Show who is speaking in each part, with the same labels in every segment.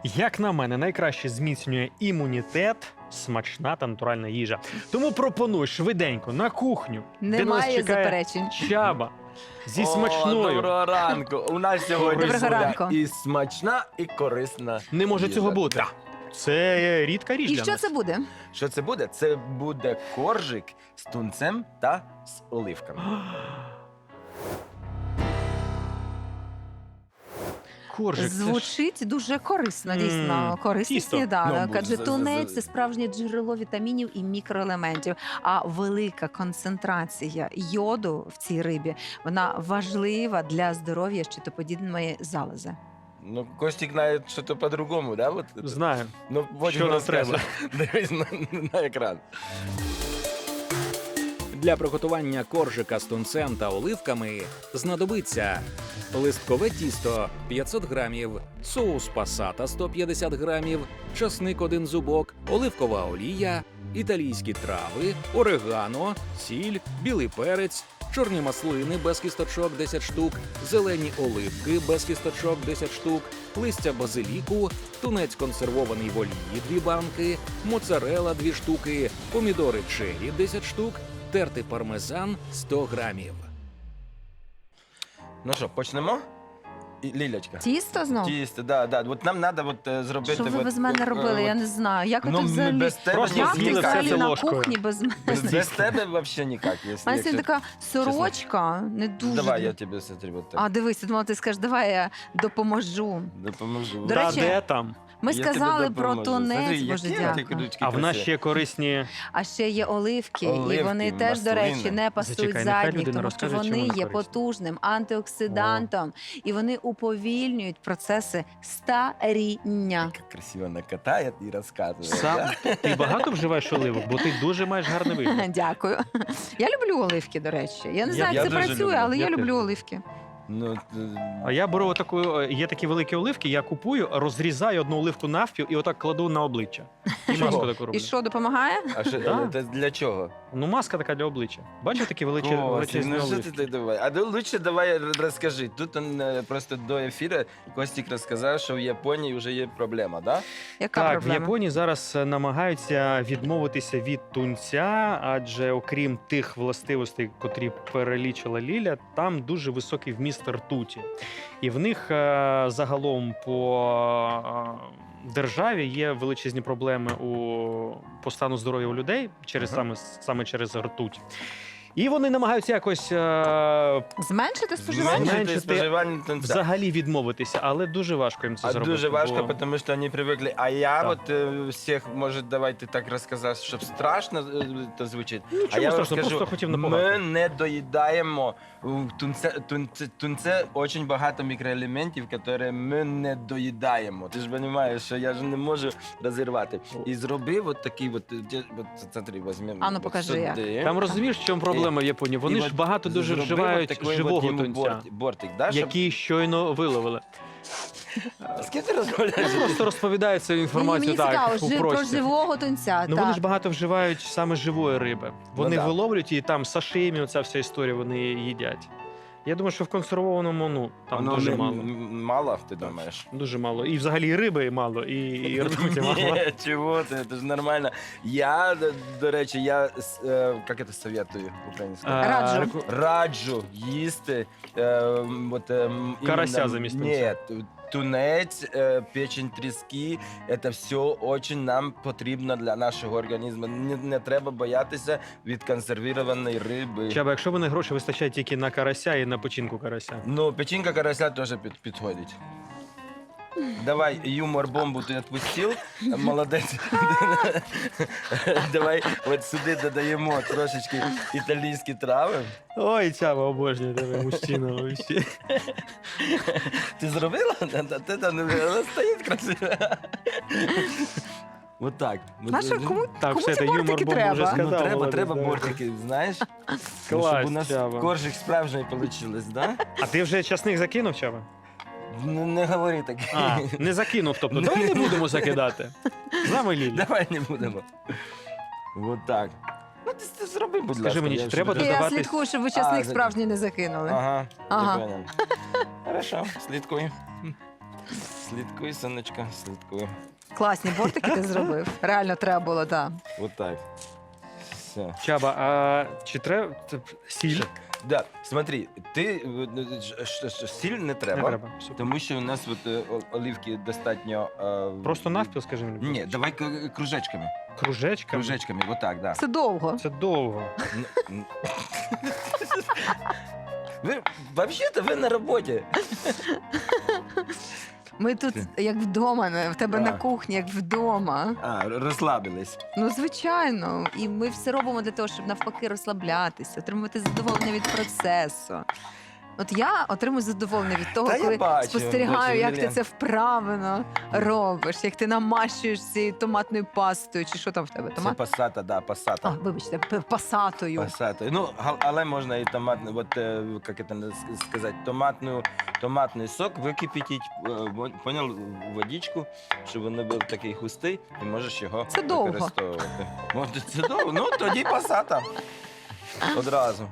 Speaker 1: Як на мене, найкраще зміцнює імунітет смачна та натуральна їжа. Тому пропоную швиденько на кухню, де нас
Speaker 2: Немає
Speaker 1: чекає
Speaker 2: заперечень.
Speaker 1: Чаба зі
Speaker 3: О,
Speaker 1: смачною.
Speaker 3: доброго ранку. У нас сьогодні
Speaker 2: Доброго
Speaker 3: буде
Speaker 2: ранку.
Speaker 3: і смачна, і корисна.
Speaker 1: Не може
Speaker 3: їжа.
Speaker 1: цього бути.
Speaker 3: Да.
Speaker 1: Це рідка річ
Speaker 2: І
Speaker 1: для
Speaker 2: що
Speaker 1: нас.
Speaker 2: це буде?
Speaker 3: Що це буде? Це буде коржик з тунцем та з оливками.
Speaker 1: Коржик, це ж...
Speaker 2: Звучить дуже корисно, дійсно. Корисний
Speaker 1: тісто.
Speaker 2: сніданок.
Speaker 3: Ну,
Speaker 2: Адже
Speaker 3: з-
Speaker 2: тунець
Speaker 3: з-
Speaker 2: – це справжнє джерело вітамінів і мікроелементів. А велика концентрація йоду в цій рибі, вона важлива для здоров'я щитоподібної залози.
Speaker 3: Ну, Костік знає, що то по-другому, да? Вот?
Speaker 1: Знаю.
Speaker 3: Ну, потім
Speaker 1: Що нам
Speaker 3: розкаже.
Speaker 1: треба.
Speaker 3: Дивись на екран.
Speaker 4: Для приготування коржика з тунцем та оливками знадобиться листкове тісто 500 грамів, соус пасата 150 грамів, часник 1 зубок, оливкова олія, італійські трави, орегано, сіль, білий перець, чорні маслини без кісточок 10 штук, зелені оливки без кісточок 10 штук, листя базиліку, тунець консервований в олії 2 банки, моцарела 2 штуки, помідори черрі 10 штук, тертий пармезан 100 грамів.
Speaker 3: Ну що, почнемо? Лілячка.
Speaker 2: Тісто знов?
Speaker 3: Тісто, да, да. От нам треба зробити...
Speaker 2: Що ви
Speaker 3: от,
Speaker 2: без мене робили? Я не знаю. Як ви
Speaker 3: Ну,
Speaker 2: тут
Speaker 3: ми
Speaker 2: взагалі?
Speaker 3: без тебе
Speaker 1: Просто
Speaker 2: Як ти
Speaker 1: з'їли все
Speaker 2: взагалі
Speaker 1: це
Speaker 2: на
Speaker 1: ложкою.
Speaker 2: кухні без мене?
Speaker 3: Без тебе взагалі ніяк.
Speaker 2: У мене сьогодні така сорочка, не дуже.
Speaker 3: Давай, я тобі смотрю, от так.
Speaker 2: А, дивись, я думала, ти скажеш, давай я допоможу.
Speaker 3: Допоможу.
Speaker 2: До
Speaker 1: Та
Speaker 2: речі,
Speaker 1: де там?
Speaker 2: Ми
Speaker 3: Я
Speaker 2: сказали
Speaker 3: тобі
Speaker 2: про
Speaker 3: допоможу. Смотри,
Speaker 2: тунець,
Speaker 3: які
Speaker 2: боже,
Speaker 3: оті
Speaker 2: дякую.
Speaker 3: ручки
Speaker 1: А в нас
Speaker 3: красиві.
Speaker 1: ще корисні...
Speaker 2: А ще є оливки, і
Speaker 3: Оливки,
Speaker 2: вони теж, до
Speaker 3: маслини.
Speaker 2: речі, не пасують
Speaker 1: Зачекай, нехай
Speaker 2: задніх,
Speaker 1: людина
Speaker 2: тому що
Speaker 1: розкаже, чим
Speaker 2: вони
Speaker 1: вони
Speaker 2: є
Speaker 1: корисні.
Speaker 2: потужним антиоксидантом, і вони уповільнюють процеси старіння.
Speaker 3: Як красиво накатає і розказує.
Speaker 1: Сам... Ти багато вживаєш оливок, бо ти дуже маєш гарний вигляд.
Speaker 2: Дякую. Я люблю оливки, до речі. Я не знаю,
Speaker 3: я
Speaker 2: як це
Speaker 3: дуже
Speaker 2: працює,
Speaker 3: люблю.
Speaker 2: але
Speaker 1: Я
Speaker 2: я
Speaker 1: теж
Speaker 2: люблю
Speaker 1: люблю.
Speaker 2: оливки.
Speaker 3: Ну,
Speaker 1: А я беру таку, є такі великі оливки, я купую, розрізаю одну оливку навпіл і отак кладу на обличчя. І
Speaker 3: Чого?
Speaker 1: маску таку роблю.
Speaker 2: І що, допомагає?
Speaker 3: а що,
Speaker 1: Да.
Speaker 3: це для чого?
Speaker 1: Ну, маска така для обличчя. Бачиш такі величезні
Speaker 3: Ну, що ти
Speaker 1: оливки?
Speaker 3: так давай? А лучше давай розкажи. Тут просто до ефіру Костік розказав, що в Японії вже є проблема, да?
Speaker 2: Яка
Speaker 1: Так, в
Speaker 2: проблема?
Speaker 1: Японії зараз намагаються відмовитися від тунця, адже окрім тих властивостей, котрі перелічила Ліля, там дуже високий вміст ртуті. І в них загалом по державі є величезні проблеми по стану здоров'я у людей через
Speaker 3: Ага.
Speaker 1: саме через ртуть. І вони намагаються якось
Speaker 2: Зменшити споживання?
Speaker 1: Зменшити
Speaker 3: споживання тунця.
Speaker 1: взагалі відмовитися, але дуже важко їм це
Speaker 3: А
Speaker 1: зробити.
Speaker 3: дуже важко,
Speaker 1: бо-
Speaker 3: тому що вони привикли. А я
Speaker 1: Так.
Speaker 3: от всіх, може, давайте так розказати, щоб страшно то звучить.
Speaker 1: Нічого
Speaker 3: А я вам
Speaker 1: страшного,
Speaker 3: скажу,
Speaker 1: просто хотів
Speaker 3: ми
Speaker 1: напомагати.
Speaker 3: не доїдаємо тунце дуже багато мікроелементів, які ми не доїдаємо. Ти ж розумієш, що я ж не можу розірвати. І зробив от такий, смотри, візьмемо.
Speaker 2: А ну, покажи, як.
Speaker 1: Там розумієш, в чому проблема в Японії? Вони
Speaker 3: І
Speaker 1: ж
Speaker 3: от
Speaker 1: багато дуже
Speaker 3: зробив
Speaker 1: вживають
Speaker 3: от такий
Speaker 1: живого
Speaker 3: от йому
Speaker 1: тунця,
Speaker 3: бортик, да, щоб...
Speaker 1: який щойно виловили.
Speaker 3: З ким ти розмовляєш?
Speaker 1: Просто розповідають цю
Speaker 2: Мені
Speaker 1: інформацію
Speaker 2: цікаво,
Speaker 1: так, у
Speaker 2: про
Speaker 1: простір.
Speaker 2: живого тунця.
Speaker 1: Ну
Speaker 2: так.
Speaker 1: вони ж багато вживають саме живої риби. Вони
Speaker 3: да.
Speaker 1: виловлюють і там сашимі, оця вся історія, вони їдять. Я думаю, що в консервованому, ну, там
Speaker 3: Воно
Speaker 1: дуже
Speaker 3: не-
Speaker 1: мало.
Speaker 3: Мало, ти думаєш?
Speaker 1: Дуже мало. І взагалі і риби мало, і ртуті мало.
Speaker 3: Ні, чого ти, це ж нормально. Я, до речі, як це советую українською?
Speaker 2: Раджу.
Speaker 3: Раджу їсти
Speaker 1: Карася замість
Speaker 3: Ні, тунець, печень тріски, це все дуже нам потрібно для нашого організму. Не треба боятися від консервованої риби.
Speaker 1: Чаба, якщо вони гроші вистачають тільки на карася і на печінку карася.
Speaker 3: Ну, печінка карася теж підходить. Давай, юмор-бомбу ти відпустив, молодець. Давай от сюди додаємо трошечки італійські трави.
Speaker 1: Ой, Чаба, обожнюю тебе, мужчина. вообще.
Speaker 3: Ти зробила? Ти там вона стоїть красиво. Вот так.
Speaker 2: Маша, кому,
Speaker 1: Так,
Speaker 2: кому
Speaker 1: все,
Speaker 2: ці
Speaker 1: це
Speaker 2: бортики
Speaker 1: юмор-бомбу вже
Speaker 2: треба?
Speaker 1: сказав.
Speaker 3: Ну, треба,
Speaker 1: Володя,
Speaker 3: треба
Speaker 1: давай.
Speaker 3: бортики, знаєш?
Speaker 1: Клас,
Speaker 3: Щоб у нас
Speaker 1: Чаба.
Speaker 3: коржик справжній вийшло, да?
Speaker 1: А ти вже часник закинув, Чаба?
Speaker 3: Не говори так.
Speaker 1: А, не закинув, тобто. Давай не будемо закидати. З нами Лілі.
Speaker 3: Давай не будемо. Вот так. Ну, ти зроби, будь ласка.
Speaker 1: Скажи мені, чи
Speaker 3: я
Speaker 1: треба
Speaker 3: вже-
Speaker 2: Я
Speaker 1: додавати-
Speaker 2: слідкую, щоб ви
Speaker 3: А,
Speaker 2: часник
Speaker 3: за-
Speaker 2: справжній не закинули.
Speaker 3: Ага,
Speaker 2: Ага.
Speaker 3: я понял. Хорошо, слідкуй. Слідкуй, сонечка, слідкуй.
Speaker 2: Класні бортики ти зробив. Реально треба було, так.
Speaker 3: Вот так. Все.
Speaker 1: Чаба, а чи треба сіль?
Speaker 3: Да, смотри, ти сіль не
Speaker 1: Не
Speaker 3: треба,
Speaker 1: треба. Супер.
Speaker 3: тому що у нас от, оливки достатньо.
Speaker 1: Просто навпіл, скажи мені.
Speaker 3: Ні, давай кружечками.
Speaker 1: Кружечками?
Speaker 3: Кружечками, вот так, да.
Speaker 2: Це довго.
Speaker 1: Це довго.
Speaker 3: Ви, взагалі-то ви на роботі.
Speaker 2: Ми тут як вдома, в тебе на
Speaker 3: Так.
Speaker 2: кухні, як вдома.
Speaker 3: А, розслабились.
Speaker 2: Ну, звичайно. І ми все робимо для того, щоб навпаки розслаблятися, отримувати задоволення від процесу. От я отримую задоволення від того,
Speaker 3: Та я
Speaker 2: коли
Speaker 3: бачу,
Speaker 2: спостерігаю, як ти
Speaker 3: Мілен.
Speaker 2: це вправно робиш, як ти намащуєш цією томатною пастою, чи що там в тебе?
Speaker 3: Це
Speaker 2: Томат?
Speaker 3: пасата, да,
Speaker 2: А,
Speaker 3: пасата.
Speaker 2: вибачте, пасатою.
Speaker 3: Пасата. Ну, але можна і томатний, от, як це сказати, томатний сок википіть, понял, в водичку, щоб він не був такий густий, і можеш його
Speaker 2: Це довго.
Speaker 3: використовувати. Це довго? Ну, тоді пасата. Одразу.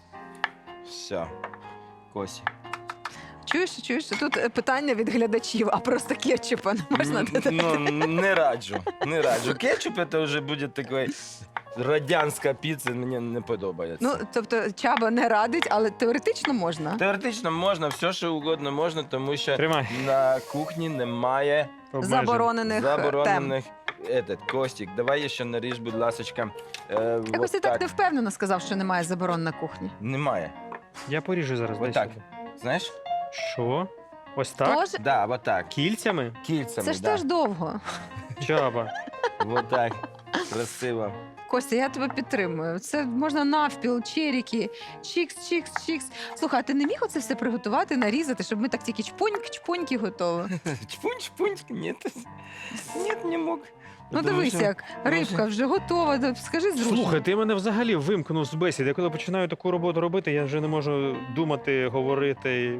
Speaker 3: Все. Косі.
Speaker 2: Чуєш, тут питання від глядачів, а просто кетчупа не можна додати?
Speaker 3: Ну, не раджу. Не раджу. Кетчуп це вже буде такий радянська піца, мені не подобається.
Speaker 2: Ну, тобто Чаба не радить, але теоретично можна.
Speaker 3: Теоретично можна, все, що угодно можна, тому що
Speaker 1: Тримай.
Speaker 3: на кухні немає
Speaker 1: Обмежень.
Speaker 2: Заборонених тем.
Speaker 3: Костік, давай ще наріж, будь ласочка.
Speaker 2: Якось ти так не впевнено сказав, що немає заборон на кухні.
Speaker 3: Немає.
Speaker 1: Я поріжу зараз. дай
Speaker 3: Отак.
Speaker 1: сюди.
Speaker 3: Знаєш?
Speaker 1: Що? Ось так?
Speaker 2: Тож,
Speaker 3: Да, вот так.
Speaker 1: Кільцями?
Speaker 3: Кільцями,
Speaker 2: це ж
Speaker 3: да.
Speaker 2: теж довго.
Speaker 1: Чаба.
Speaker 3: Вот так. Красиво.
Speaker 2: Костя, я тебе підтримую. Це можна навпіл, черіки, чікс. Слухай, а ти не міг оце все приготувати, нарізати, щоб ми так тільки чпуньки готові?
Speaker 3: Чпунь, ні. Ні, не мог.
Speaker 2: Ну
Speaker 3: Тому
Speaker 2: дивись,
Speaker 3: що-
Speaker 2: як рибка вже готова. Скажи зручно.
Speaker 1: Слухай, ти мене взагалі вимкнув з бесіди. Я коли починаю таку роботу робити, я вже не можу думати, говорити,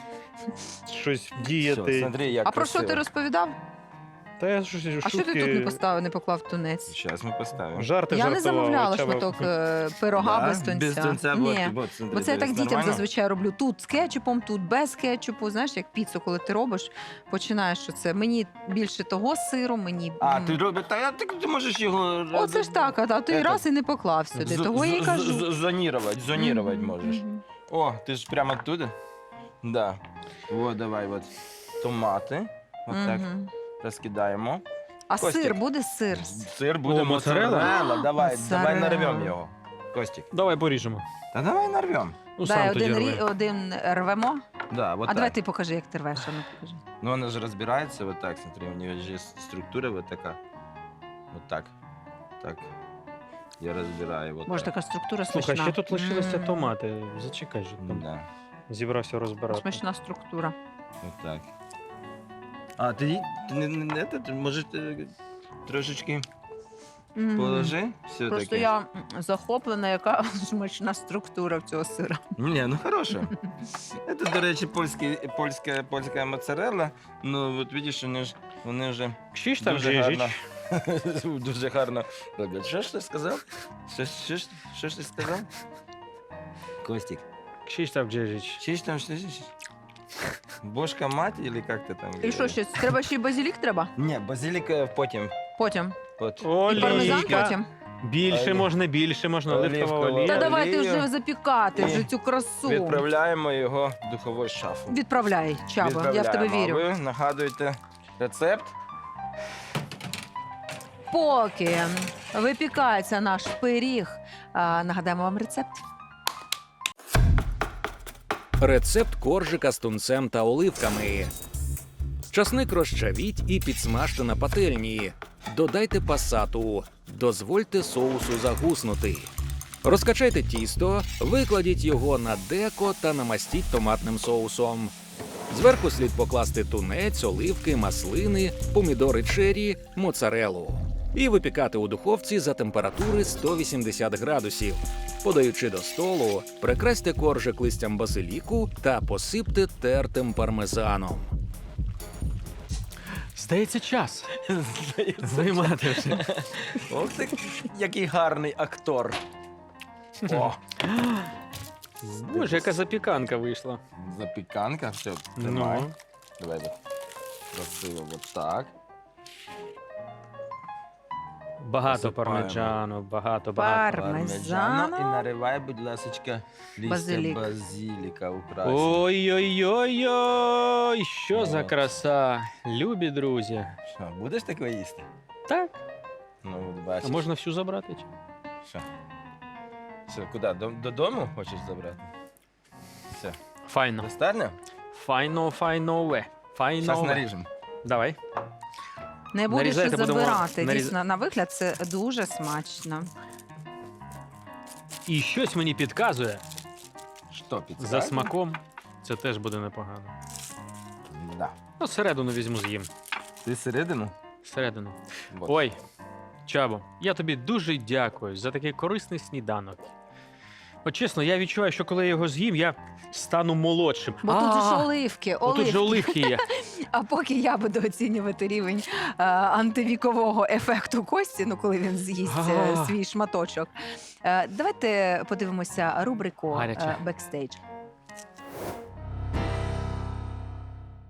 Speaker 1: щось
Speaker 3: Все,
Speaker 1: діяти.
Speaker 3: смотри, як
Speaker 2: А про що ти розповідав?
Speaker 1: Та я щось
Speaker 2: А що ти
Speaker 1: шутки,
Speaker 2: тут не поставив, не поклав тунець?
Speaker 3: Зараз ми поставимо.
Speaker 1: жарти
Speaker 2: Я не
Speaker 1: жартував.
Speaker 2: замовляла
Speaker 1: Чаба.
Speaker 2: шматок пирога
Speaker 3: Да?
Speaker 2: без тунця.
Speaker 3: Без тунця,
Speaker 2: Ні.
Speaker 3: вот, смотри,
Speaker 2: Бо це я так
Speaker 3: дивись,
Speaker 2: дітям
Speaker 3: нормально?
Speaker 2: зазвичай роблю. Тут з кетчупом, тут без кетчупу. Знаєш, як піцу, коли ти робиш, починаєш, що це мені більше того сиру, мені.
Speaker 3: А, ти робиш, та ти можеш його...
Speaker 2: Оце ж так, а ти
Speaker 3: Этот,
Speaker 2: раз і не поклав сюди. Того я й кажу.
Speaker 3: Зонірувати
Speaker 2: Мгм,
Speaker 3: можеш.
Speaker 2: мгм.
Speaker 3: О, ти ж прямо оттуда? Да. Вот, давай, вот. Томати. Вот так
Speaker 2: Мгм.
Speaker 3: розкидаємо.
Speaker 2: А
Speaker 3: Костік.
Speaker 2: сир буде сир?
Speaker 3: Сир буде
Speaker 1: О, моцарелла?
Speaker 3: моцарелла. Давай
Speaker 2: Моцарелла.
Speaker 3: нарвемо його. Костік.
Speaker 1: Давай поріжемо.
Speaker 3: Та давай нарвемо.
Speaker 1: Ну,
Speaker 2: Дай
Speaker 1: сам тоді
Speaker 2: один,
Speaker 1: роби.
Speaker 2: один рвемо.
Speaker 3: Да, вот
Speaker 2: А
Speaker 3: так.
Speaker 2: давай ти покажи, як ти рвеш. А ну покажи.
Speaker 3: Ну, вона ж розбирається вот так, смотри, у нее же есть структура вот така. Вот так. Так. Я розбираю вот
Speaker 2: Боже,
Speaker 3: так.
Speaker 2: така структура смачна.
Speaker 1: Слухай, ще тут лишилися
Speaker 2: М,
Speaker 1: томати. Зачекай же. Там
Speaker 3: Да,
Speaker 1: зібрався розбирати.
Speaker 2: Смачна структура.
Speaker 3: вот так. А, ти не може, трошечки
Speaker 2: Мгм.
Speaker 3: положи? Все-таки.
Speaker 2: Просто я захоплена, яка смачна структура в цього сира.
Speaker 3: Ні, ну хороше. Це, до речі, польська моцарелла. Ну, от бачиш, вони вже
Speaker 1: Кшіш там
Speaker 3: дуже
Speaker 1: жижич.
Speaker 3: гарно, дуже гарно роблять. Що ж ти сказав? Що ж ти сказав? Костік,
Speaker 1: Кшіш там жижич.
Speaker 3: чи ж там що? Бошка мать, или як ти там?
Speaker 2: І що ще? Треба ще й базилік треба?
Speaker 3: Ні, базилік потім.
Speaker 2: Потім.
Speaker 3: От.
Speaker 2: І пармезан
Speaker 1: Олійка.
Speaker 2: потім.
Speaker 1: Більше можна, оливкова
Speaker 3: Олівкова
Speaker 1: олія.
Speaker 2: Та давай ти
Speaker 3: олію.
Speaker 2: вже запікати,
Speaker 3: І
Speaker 2: вже цю красу.
Speaker 3: Відправляємо його в духову шафу.
Speaker 2: Відправляй, Чаба, я в тебе
Speaker 3: Відправляємо.
Speaker 2: вірю.
Speaker 3: Ви нагадуєте рецепт.
Speaker 2: Поки випікається наш пиріг, нагадаємо вам рецепт.
Speaker 4: Рецепт коржика з тунцем та оливками. Часник розчавіть і підсмажте на пательні. Додайте пасату. Дозвольте соусу загуснути. Розкачайте тісто, викладіть його на деко та намастіть томатним соусом. Зверху слід покласти тунець, оливки, маслини, помідори чері, моцарелу. І випікати у духовці за температури 180 градусів. Подаючи до столу, прикрасьте коржик листям базиліку та посипте тертим пармезаном.
Speaker 1: Здається, час. Займати вже.
Speaker 3: Ох ти, який гарний актор. О,
Speaker 1: Боже, яка запіканка вийшла.
Speaker 3: запіканка, все, тримай.
Speaker 1: Ну,
Speaker 3: Давай. Красиво, от так.
Speaker 1: Багато
Speaker 3: Посипаємо.
Speaker 1: пармеджану, багато.
Speaker 2: Пармезано.
Speaker 3: І наривай, будь ласочка, листя
Speaker 2: Базилік.
Speaker 3: базиліка украсить.
Speaker 1: Ой-ой-ой-ой, що за
Speaker 3: От.
Speaker 1: краса. Любі друзі.
Speaker 3: Що, будеш таке їсти?
Speaker 1: Так,
Speaker 3: Ну, от
Speaker 1: а
Speaker 3: бачиш.
Speaker 1: можна всю забрати?
Speaker 3: Що? Все, куди? Додому хочеш забрати? Все.
Speaker 1: Файно.
Speaker 3: Достатньо?
Speaker 1: Файно.
Speaker 3: Зараз наріжемо.
Speaker 1: Давай.
Speaker 2: Не будеш
Speaker 1: Нарізайте, будемо
Speaker 2: забирати.
Speaker 1: наріз-
Speaker 2: Дійсно, на вигляд це дуже смачно.
Speaker 1: І щось мені підказує,
Speaker 3: Що, підсказує?
Speaker 1: за смаком це теж буде непогано.
Speaker 3: Да.
Speaker 1: Ну, середину візьму з'їм.
Speaker 3: Ти середину?
Speaker 1: Середину.
Speaker 3: Вот.
Speaker 1: Ой, Чабо, я тобі дуже дякую за такий корисний сніданок. От чесно, я відчуваю, що коли я його з'їм, я стану молодшим.
Speaker 2: Бо тут же ж оливки,
Speaker 1: Отут же оливки є.
Speaker 2: А поки я буду оцінювати рівень антивікового ефекту Кості, ну коли він з'їсть
Speaker 1: Ага.
Speaker 2: свій шматочок. Давайте подивимося рубрику
Speaker 1: Гаряче.
Speaker 2: «Бекстейдж».